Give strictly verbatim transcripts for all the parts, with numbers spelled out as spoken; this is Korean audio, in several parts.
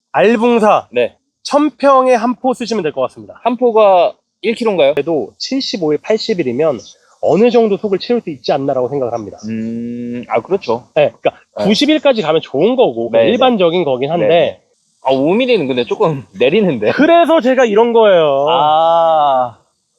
알붕사 네. 천 평에 한 포 쓰시면 될 것 같습니다. 한 포가 일 킬로그램인가요? 그래도 칠십오 일, 팔십 일이면 어느 정도 속을 채울 수 있지 않나라고 생각을 합니다. 음, 아, 그렇죠. 네, 그러니까 네. 구십 일까지 가면 좋은 거고 네, 일반적인 거긴 한데 네. 아, 오 밀리미터는 근데 조금 내리는데. 그래서 제가 이런 거예요. 아,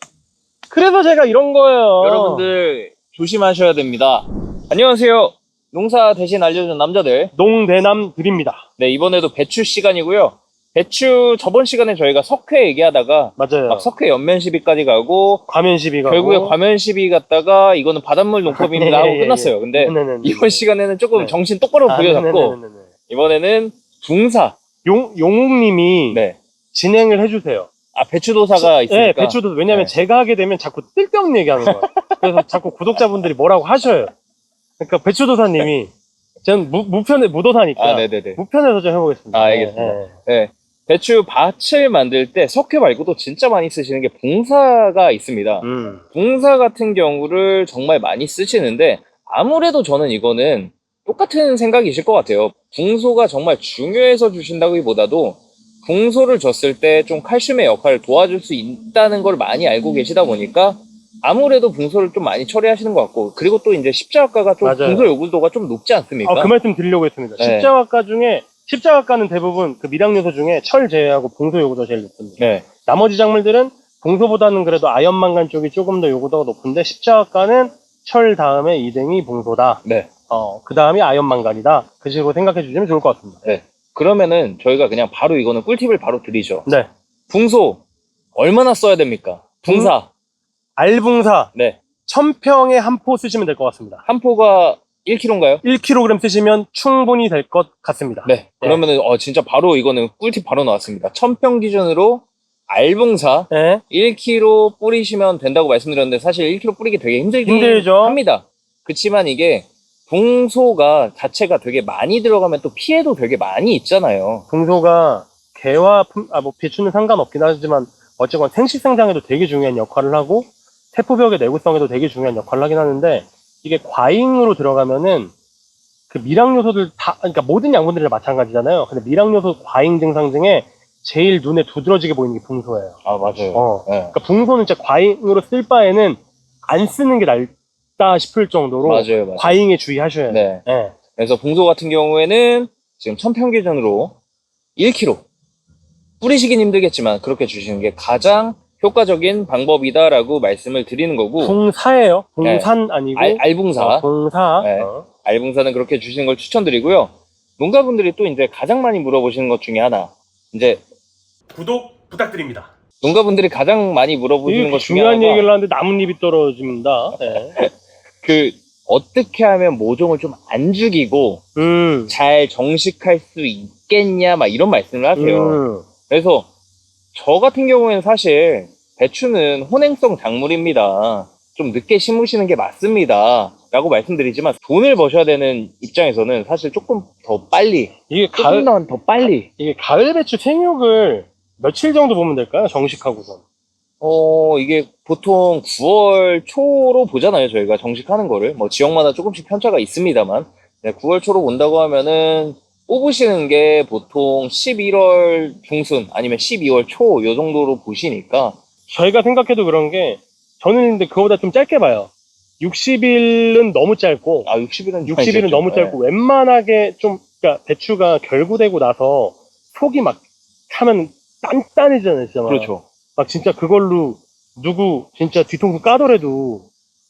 그래서 제가 이런 거예요. 여러분들 조심하셔야 됩니다. 안녕하세요. 농사 대신 알려준 남자들. 농대남 드립니다. 네, 이번에도 배추 시간이고요. 배추 저번 시간에 저희가 석회 얘기하다가 맞아요. 막 석회 연면 시비까지 가고 과면 시비 가고 결국에 과면 시비 갔다가 이거는 바닷물 농법입니다 네, 하고 예, 끝났어요. 예. 근데 네네네. 이번 시간에는 조금 네. 정신 똑바로 아, 부여잡고 네네네네네. 이번에는 붕사. 용, 용욱님이 네. 진행을 해주세요. 아, 배추도사가 있으니까. 네, 배추도 왜냐면 네. 제가 하게 되면 자꾸 뜰데없는 얘기하는 거예요. 그래서 자꾸 구독자분들이 뭐라고 하셔요. 그러니까 배추도사님이 저는 무, 무편에 무도사니까 아, 네네네. 무편에서 좀 해보겠습니다. 아, 알겠습니다. 네, 네. 네. 배추 밭을 만들 때 석회 말고도 진짜 많이 쓰시는 게 붕사가 있습니다. 음. 붕사 같은 경우를 정말 많이 쓰시는데 아무래도 저는 이거는 똑같은 생각이실 것 같아요. 붕소가 정말 중요해서 주신다기보다도 붕소를 줬을 때 좀 칼슘의 역할을 도와줄 수 있다는 걸 많이 알고 계시다 보니까 아무래도 붕소를 좀 많이 처리하시는 것 같고, 그리고 또 이제 십자가가 좀 맞아요. 붕소 요구도가 좀 높지 않습니까? 아, 그 말씀 드리려고 했습니다. 네. 십자가가 중에 십자가가는 대부분 그 미량 요소 중에 철 제외하고 봉소 요구도가 제일 높습니다. 네. 나머지 작물들은 봉소보다는 그래도 아연 망간 쪽이 조금 더 요구도가 높은데 십자가가는 철 다음에 이 등이 봉소다. 네. 어, 그 다음이 아연 망간이다. 그 식으로 생각해 주시면 좋을 것 같습니다. 네. 그러면은 저희가 그냥 바로 이거는 꿀팁을 바로 드리죠. 네. 붕소 얼마나 써야 됩니까? 붕사. 알붕사 네. 천 평에 한 포 쓰시면 될 것 같습니다. 한 포가 일 킬로그램인가요? 일 킬로그램 쓰시면 충분히 될 것 같습니다. 네. 그러면은 어 진짜 바로 이거는 꿀팁 바로 나왔습니다. 천 평 기준으로 알붕사 네. 일 킬로그램 뿌리시면 된다고 말씀드렸는데 사실 일 킬로그램 뿌리기 되게 힘들긴 힘들죠. 합니다. 그렇지만 이게 붕소가 자체가 되게 많이 들어가면 또 피해도 되게 많이 있잖아요. 붕소가 개와 품, 아, 뭐 배추는 상관없긴 하지만 어쨌건 생식생장에도 되게 중요한 역할을 하고 태포벽의 내구성에도 되게 중요한 역할을 하긴 하는데 이게 과잉으로 들어가면은 그 미량 요소들 다, 그러니까 모든 양분들이 다 마찬가지잖아요. 근데 미량 요소 과잉 증상 중에 제일 눈에 두드러지게 보이는 게 붕소예요. 아, 맞아요. 어. 네. 그러니까 붕소는 진짜 과잉으로 쓸 바에는 안 쓰는 게 낫다 싶을 정도로 맞아요, 맞아요. 과잉에 주의하셔야 돼요. 네. 네. 그래서 붕소 같은 경우에는 지금 천 평 기준으로 일 킬로그램 뿌리시긴 힘들겠지만 그렇게 주시는 게 가장 효과적인 방법이다라고 말씀을 드리는 거고. 붕사예요. 붕산 아니고 알, 알붕사. 어, 붕사. 네. 어. 알붕사는 그렇게 주시는 걸 추천드리고요. 농가분들이 또 이제 가장 많이 물어보시는 것 중에 하나, 이제 구독 부탁드립니다. 농가분들이 가장 많이 물어보시는 것 중에 중요한 하나가 얘기를 하는데 나뭇잎이 떨어집니다. 네. 그 어떻게 하면 모종을 좀 안 죽이고 음. 잘 정식할 수 있겠냐 막 이런 말씀을 하세요. 음. 그래서 저 같은 경우에는 사실 배추는 혼행성 작물입니다. 좀 늦게 심으시는 게 맞습니다 라고 말씀드리지만 돈을 버셔야 되는 입장에서는 사실 조금 더 빨리, 이게 조금 가을 더 빨리 이게 가을 배추 생육을 며칠 정도 보면 될까요? 정식하고선. 어 이게 보통 구월 초로 보잖아요. 저희가 정식하는 거를 뭐 지역마다 조금씩 편차가 있습니다만 네, 구월 초로 본다고 하면은 뽑으시는 게 보통 십일월 중순 아니면 십이월 초 요 정도로 보시니까. 저희가 생각해도 그런 게 저는 근데 그거보다 좀 짧게 봐요. 육십 일은 너무 짧고 아 육십 일은 육십 일은 너무 짧고 웬만하게 좀 그러니까 배추가 결구되고 나서 속이 막 타면 단단해지잖아요. 진짜 막. 그렇죠. 막 진짜 그걸로 누구 진짜 뒤통수 까더라도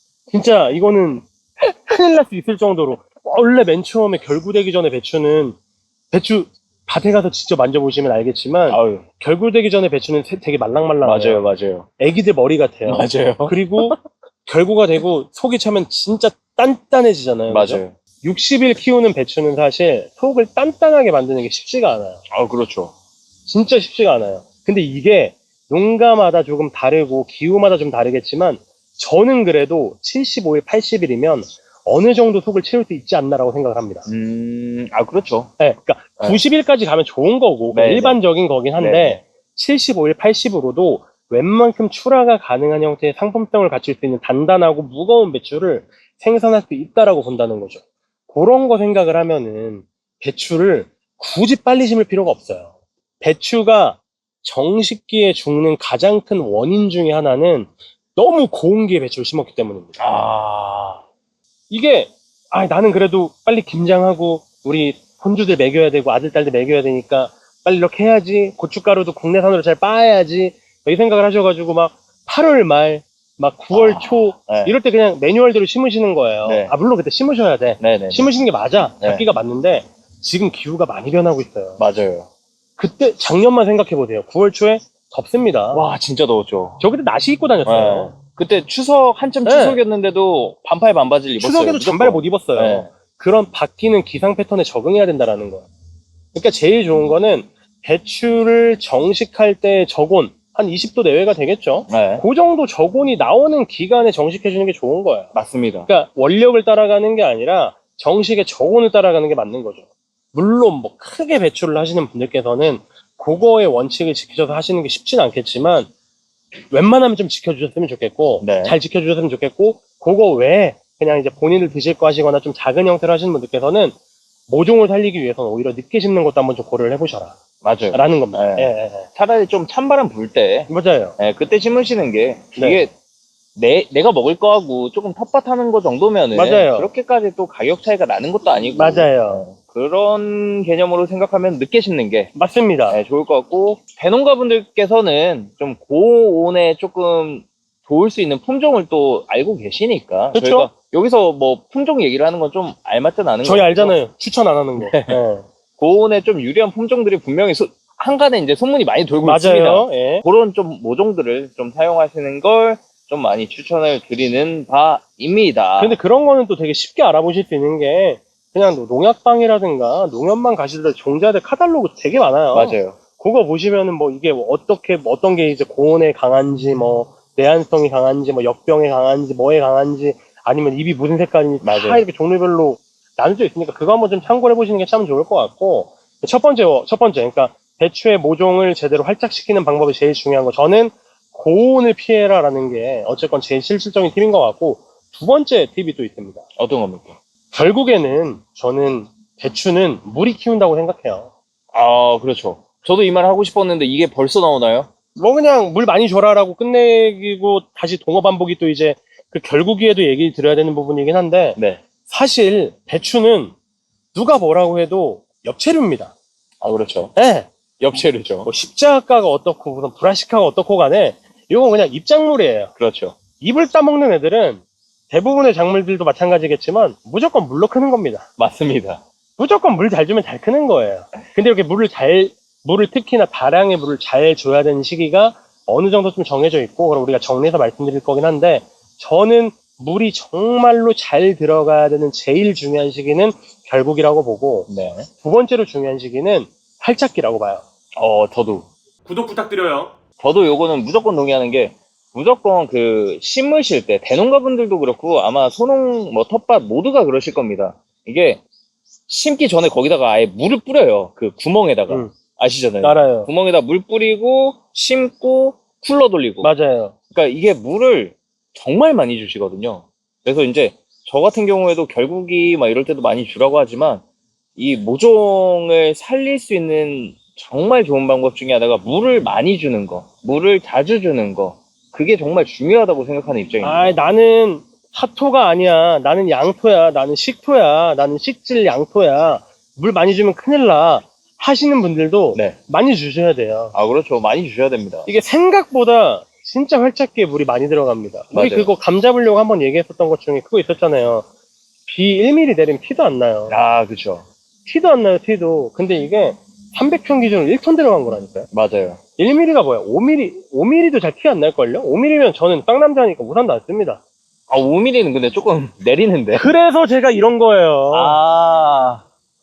진짜 이거는 큰일 날 수 있을 정도로 원래 맨 처음에 결구되기 전에 배추는 배추 밭에 가서 직접 만져보시면 알겠지만 아유, 결구되기 전에 배추는 세- 되게 말랑말랑해요. 맞아요, 맞아요, 애기들 머리 같아요. 맞아요, 그리고 결구가 되고 속이 차면 진짜 단단해지잖아요. 그죠? 맞아요. 육십 일 키우는 배추는 사실 속을 단단하게 만드는 게 쉽지가 않아요. 아 그렇죠. 진짜 쉽지가 않아요. 근데 이게 농가마다 조금 다르고 기후마다 좀 다르겠지만 저는 그래도 칠십오 일, 팔십 일이면 어느 정도 속을 채울 수 있지 않나라고 생각을 합니다. 음, 아 그렇죠. 네, 그러니까 네. 구십 일까지 가면 좋은 거고 네, 일반적인 거긴 한데 네. 칠십오 일, 팔십 일로도 웬만큼 출하가 가능한 형태의 상품성을 갖출 수 있는 단단하고 무거운 배추를 생산할 수 있다라고 본다는 거죠. 그런 거 생각을 하면은 배추를 굳이 빨리 심을 필요가 없어요. 배추가 정식기에 죽는 가장 큰 원인 중에 하나는 너무 고온기에 배추를 심었기 때문입니다. 아, 이게 아 나는 그래도 빨리 김장하고 우리 손주들 먹여야 되고 아들 딸들 먹여야 되니까 빨리 이렇게 해야지, 고춧가루도 국내산으로 잘 빻아야지 이 생각을 하셔가지고 막 팔월 말 막 구월 아, 초 네. 이럴 때 그냥 매뉴얼대로 심으시는 거예요. 네. 아 물론 그때 심으셔야 돼. 네네. 심으시는 게 맞아. 네. 잡기가 맞는데 지금 기후가 많이 변하고 있어요. 맞아요. 그때 작년만 생각해 보세요. 구월 초에 덥습니다. 와, 진짜 더웠죠. 저 그때 나시 입고 다녔어요. 네. 그때 추석, 한참 네. 추석이었는데도 반팔 반바지를 입었어요. 추석에도 무조건. 잠바를 못 입었어요. 네. 그런 바뀌는 기상 패턴에 적응해야 된다라는 거예요. 그러니까 제일 좋은 거는 배추를 정식할 때 저온 한 이십 도 내외가 되겠죠. 네. 그 정도 저온이 나오는 기간에 정식해 주는 게 좋은 거예요. 맞습니다. 그러니까 원력을 따라가는 게 아니라 정식의 저온을 따라가는 게 맞는 거죠. 물론 뭐 크게 배출을 하시는 분들께서는 그거의 원칙을 지키셔서 하시는 게 쉽진 않겠지만 웬만하면 좀 지켜주셨으면 좋겠고 네. 잘 지켜주셨으면 좋겠고 그거 외에 그냥 이제 본인을 드실 거 하시거나 좀 작은 형태로 하시는 분들께서는 모종을 살리기 위해서는 오히려 늦게 심는 것도 한번 좀 고려를 해보셔라 맞아요. 라는 겁니다. 네. 예, 예, 예. 차라리 좀 찬바람 불 때, 맞아요. 예, 그때 심으시는 게, 네. 이게, 내, 내가 먹을 거하고 조금 텃밭하는 거 정도면은, 맞아요. 그렇게까지 또 가격 차이가 나는 것도 아니고, 맞아요. 예, 그런 개념으로 생각하면 늦게 심는 게, 맞습니다. 예, 좋을 것 같고, 대농가분들께서는 좀 고온에 조금 좋을 수 있는 품종을 또 알고 계시니까, 그쵸? 저희가 여기서 뭐 품종 얘기를 하는 건 좀 알맞진 않은 거 저희 알잖아요. 추천 안 하는 거. 예. 고온에 좀 유리한 품종들이 분명히 소- 한간에 이제 소문이 많이 돌고 있습니다. 맞아요. 예. 그런 좀 모종들을 좀 사용하시는 걸 좀 많이 추천을 드리는 바입니다. 근데 그런 거는 또 되게 쉽게 알아보실 수 있는 게 그냥 뭐 농약방이라든가 농협만 가시더라도 종자들 카탈로그 되게 많아요. 맞아요. 그거 보시면은 뭐 이게 뭐 어떻게 뭐 어떤 게 이제 고온에 강한지 뭐 내한성이 강한지 뭐 역병에 강한지 뭐에 강한지 아니면 잎이 무슨 색깔인지 다 맞아요. 이렇게 종류별로 나눠져 있으니까 그거 한번 좀 참고해 보시는 게 참 좋을 것 같고 첫 번째 첫 번째 그러니까 배추의 모종을 제대로 활착시키는 방법이 제일 중요한 거 저는 고온을 피해라라는 게 어쨌건 제일 실질적인 팁인 것 같고 두 번째 팁이 또 있습니다. 어떤 겁니까? 결국에는 저는 배추는 물이 키운다고 생각해요. 아, 그렇죠. 저도 이 말 하고 싶었는데 이게 벌써 나오나요? 뭐 그냥 물 많이 줘라라고 끝내기고 다시 동어 반복이 또 이제 그 결국에도 얘기 드려야 되는 부분이긴 한데 네. 사실 배추는 누가 뭐라고 해도 엽채류입니다. 아, 그렇죠. 예. 엽채류죠. 뭐 십자가가 어떻고 무슨 브라시카가 어떻고 간에 이건 그냥 잎작물이에요. 그렇죠. 잎을 따먹는 애들은 대부분의 작물들도 마찬가지겠지만 무조건 물로 크는 겁니다. 맞습니다. 무조건 물 잘 주면 잘 크는 거예요. 근데 이렇게 물을 잘, 물을 특히나 다량의 물을 잘 줘야 되는 시기가 어느 정도 좀 정해져 있고, 그럼 우리가 정리해서 말씀드릴 거긴 한데, 저는 물이 정말로 잘 들어가야 되는 제일 중요한 시기는 결국이라고 보고, 네. 두 번째로 중요한 시기는 활착기라고 봐요. 어, 저도. 구독 부탁드려요. 저도 요거는 무조건 동의하는 게, 무조건 그 심으실 때 대농가분들도 그렇고 아마 소농 뭐 텃밭 모두가 그러실 겁니다. 이게 심기 전에 거기다가 아예 물을 뿌려요. 그 구멍에다가. 음. 아시잖아요. 알아요. 구멍에다 물 뿌리고 심고 쿨러 돌리고. 맞아요. 그러니까 이게 물을 정말 많이 주시거든요. 그래서 이제 저 같은 경우에도 결국이 막 이럴 때도 많이 주라고 하지만 이 모종을 살릴 수 있는 정말 좋은 방법 중에 하나가 물을 많이 주는 거, 물을 자주 주는 거. 그게 정말 중요하다고 생각하는 입장입니다. 아, 나는 사토가 아니야. 나는 양토야. 나는 식토야. 나는 식질 양토야. 물 많이 주면 큰일 나. 하시는 분들도 네. 많이 주셔야 돼요. 아, 그렇죠. 많이 주셔야 됩니다. 이게 생각보다 진짜 활착기에 물이 많이 들어갑니다. 우리 맞아요. 그거 감 잡으려고 한번 얘기했었던 것 중에 그거 있었잖아요. 비 일 밀리미터 내리면 티도 안 나요. 아, 그렇죠. 티도 안 나요, 티도. 근데 이게 삼백 평 기준으로 일 톤 들어간 거라니까요. 맞아요. 일 밀리미터가 뭐야? 오 밀리미터, 오 밀리미터도 잘 티 안 날걸요? 오 밀리미터면 저는 쌍남자니까 우산도 안 씁니다. 아, 오 밀리미터는 근데 조금 내리는데. 그래서 제가 이런 거예요. 아,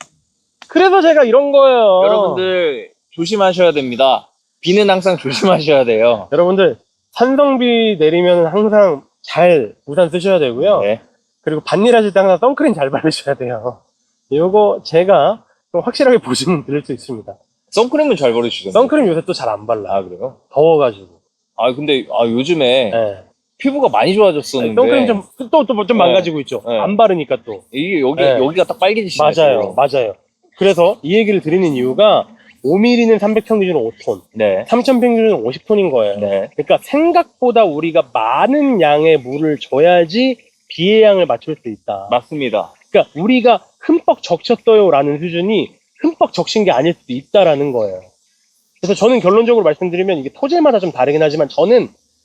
그래서 제가 이런 거예요. 여러분들 조심하셔야 됩니다. 비는 항상 조심하셔야 돼요. 여러분들, 산성비 내리면 항상 잘 우산 쓰셔야 되고요. 네. 그리고 밭일 하실 때 항상 선크림 잘 바르셔야 돼요. 요거 제가 좀 확실하게 보시면 들을 수 있습니다. 선크림은 잘 바르시던데. 선크림 요새 또 잘 안 발라. 아, 그래요? 더워가지고. 아, 근데 아, 요즘에 예. 피부가 많이 좋아졌었는데 선크림 좀, 또, 또, 좀 네. 망가지고 있죠. 네. 안 바르니까 또. 이게 여기 네. 여기가 딱 빨개지시네요. 맞아요. 맞아요. 그래서 이 얘기를 드리는 이유가 오 밀리미터는 삼백 평균으로 오 톤, 네. 삼천 평균으로 오십 톤인 거예요. 네. 그러니까 생각보다 우리가 많은 양의 물을 줘야지 비의 양을 맞출 수 있다. 맞습니다. 그러니까 우리가 흠뻑 적셨어요라는 수준이 흠뻑 적신 게 아닐 수도 있다라는 거예요. 그래서 저는 결론적으로 말씀드리면 이게 토질마다 좀 다르긴 하지만 저는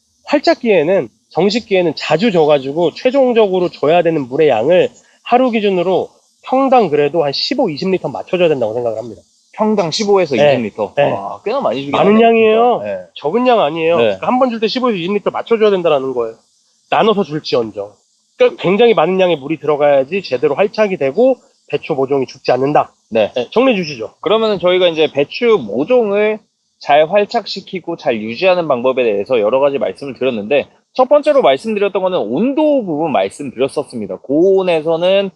활착기에는 정식기에는 자주 줘가지고 최종적으로 줘야 되는 물의 양을 하루 기준으로 평당 그래도 한 십오, 이십 리터 맞춰줘야 된다고 생각을 합니다. 평당 십오에서 네. 이십 리터. 네. 와, 꽤나 많이 주긴 많은 하네요, 양이에요. 진짜. 네. 적은 양 아니에요. 네. 그러니까 한 번 줄 때 십오에서 이십 리터 맞춰줘야 된다는 거예요. 나눠서 줄지언정. 그러니까 굉장히 많은 양의 물이 들어가야지 제대로 활착이 되고 배추 모종이 죽지 않는다. 네. 네, 정리해 주시죠. 그러면은 저희가 이제 배추 모종을 잘 활착시키고 잘 유지하는 방법에 대해서 여러 가지 말씀을 드렸는데, 첫 번째로 말씀드렸던 거는 온도 부분 말씀드렸었습니다. 고온에서는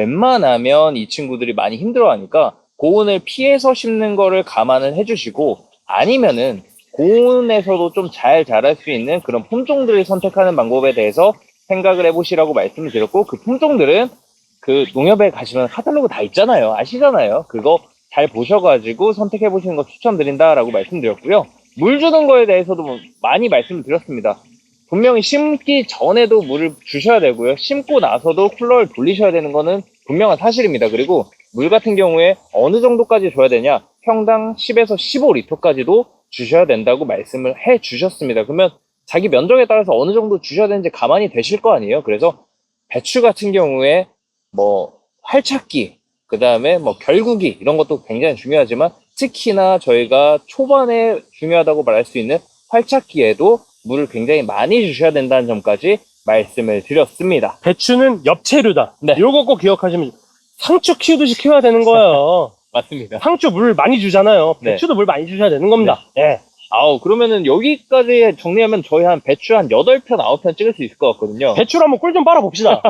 웬만하면 이 친구들이 많이 힘들어하니까 고온을 피해서 심는 거를 감안을 해주시고, 아니면은 고온에서도 좀 잘 자랄 수 있는 그런 품종들을 선택하는 방법에 대해서 생각을 해보시라고 말씀을 드렸고, 그 품종들은 그 농협에 가시면 카탈로그 다 있잖아요. 아시잖아요. 그거 잘 보셔가지고 선택해 보시는 거 추천드린다라고 말씀드렸고요. 물 주는 거에 대해서도 많이 말씀을 드렸습니다. 분명히 심기 전에도 물을 주셔야 되고요. 심고 나서도 쿨러를 돌리셔야 되는 거는 분명한 사실입니다. 그리고 물 같은 경우에 어느 정도까지 줘야 되냐? 평당 십에서 십오 리터까지도 주셔야 된다고 말씀을 해 주셨습니다. 그러면 자기 면적에 따라서 어느 정도 주셔야 되는지 가만히 되실 거 아니에요. 그래서 배추 같은 경우에 뭐 활착기, 그 다음에 뭐 결국이 이런 것도 굉장히 중요하지만 특히나 저희가 초반에 중요하다고 말할 수 있는 활착기에도 물을 굉장히 많이 주셔야 된다는 점까지 말씀을 드렸습니다. 배추는 엽채류다. 네. 요거 꼭 기억하시면 상추 키우듯이 키워야 되는 거예요. 맞습니다. 상추 물 많이 주잖아요. 네. 배추도 물 많이 주셔야 되는 겁니다. 예. 아우, 그러면은 여기까지 정리하면 저희 한 배추 한 여덟 편, 아홉 편 찍을 수 있을 것 같거든요. 배추로 한번 꿀 좀 빨아봅시다.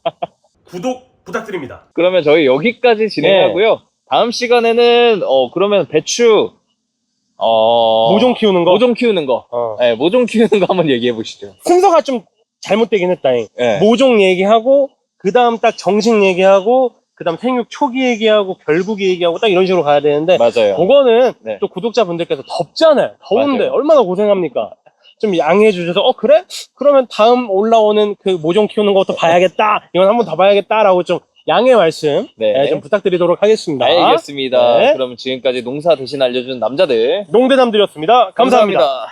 구독 부탁드립니다. 그러면 저희 여기까지 진행하고요. 다음 시간에는 어 그러면 배추 어 모종 키우는 거. 모종 키우는 거. 어. 네, 모종 키우는 거 한번 얘기해 보시죠. 순서가 좀 잘못되긴 했다잉. 네. 모종 얘기하고 그 다음 딱 정식 얘기하고 그 다음 생육 초기 얘기하고 결국이 얘기하고 딱 이런 식으로 가야 되는데 맞아요. 그거는 네. 또 구독자분들께서 덥잖아요. 더운데 맞아요. 얼마나 고생합니까? 좀 양해해 주셔서 어 그래? 그러면 다음 올라오는 그 모종 키우는 것도 봐야겠다. 이건 한번 더 봐야겠다라고 좀 양해 말씀 네. 네, 좀 부탁드리도록 하겠습니다. 알겠습니다. 네. 그럼 지금까지 농사 대신 알려준 남자들 농대남들이었습니다. 감사합니다. 감사합니다.